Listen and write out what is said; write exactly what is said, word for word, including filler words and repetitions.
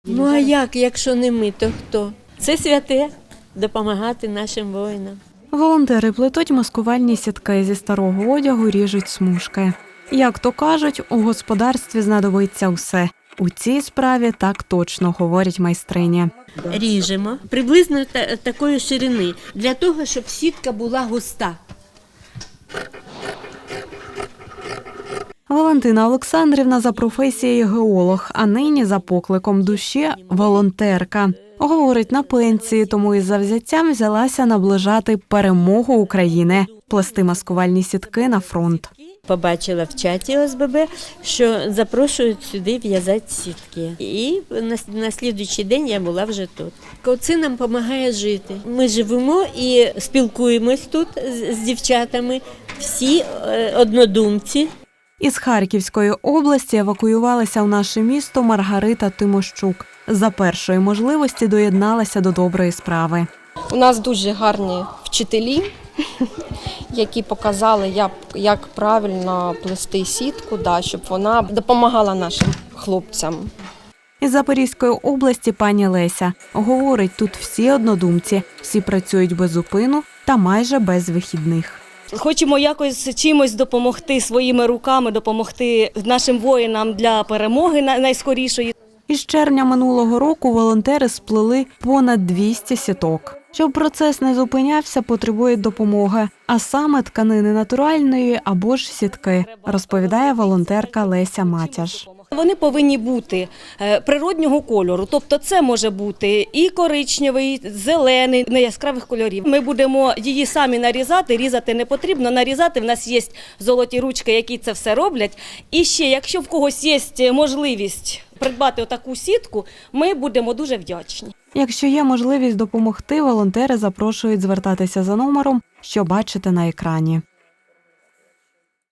Ну а як, якщо не ми, то хто? Це святе – допомагати нашим воїнам. Волонтери плетуть маскувальні сітки, зі старого одягу ріжуть смужки. Як то кажуть, у господарстві знадобиться все. У цій справі так точно, говорять майстрині. Ріжемо приблизно та- такої ширини, для того, щоб сітка була густа. Валентина Олександрівна за професією геолог, а нині за покликом душі – волонтерка. Говорить, на пенсії, тому із завзяттям взялася наближати перемогу України, плести маскувальні сітки на фронт. Побачила в чаті О С Б Б, що запрошують сюди в'язати сітки. І на, на слідуючий день я була вже тут. Це нам допомагає жити. Ми живемо і спілкуємось тут з, з дівчатами, всі е, однодумці. Із Харківської області евакуювалася в наше місто Маргарита Тимощук. За першої можливості доєдналася до доброї справи. У нас дуже гарні вчителі, які показали, як, як правильно плести сітку, да, щоб вона допомагала нашим хлопцям. Із Запорізької області пані Леся. Говорить, тут всі однодумці, всі працюють без зупину та майже без вихідних. Хочемо якось чимось допомогти своїми руками, допомогти нашим воїнам для перемоги найскорішої. Із червня минулого року волонтери сплели понад двісті сіток. Щоб процес не зупинявся, потребують допомоги, а саме тканини натуральної або ж сітки, розповідає волонтерка Леся Матяш. Вони повинні бути природнього кольору, тобто це може бути і коричневий, зелений, не яскравих кольорів. Ми будемо її самі нарізати, різати не потрібно, нарізати. В нас є золоті ручки, які це все роблять. І ще, якщо в когось є можливість придбати отаку сітку, ми будемо дуже вдячні. Якщо є можливість допомогти, волонтери запрошують звертатися за номером, що бачите на екрані.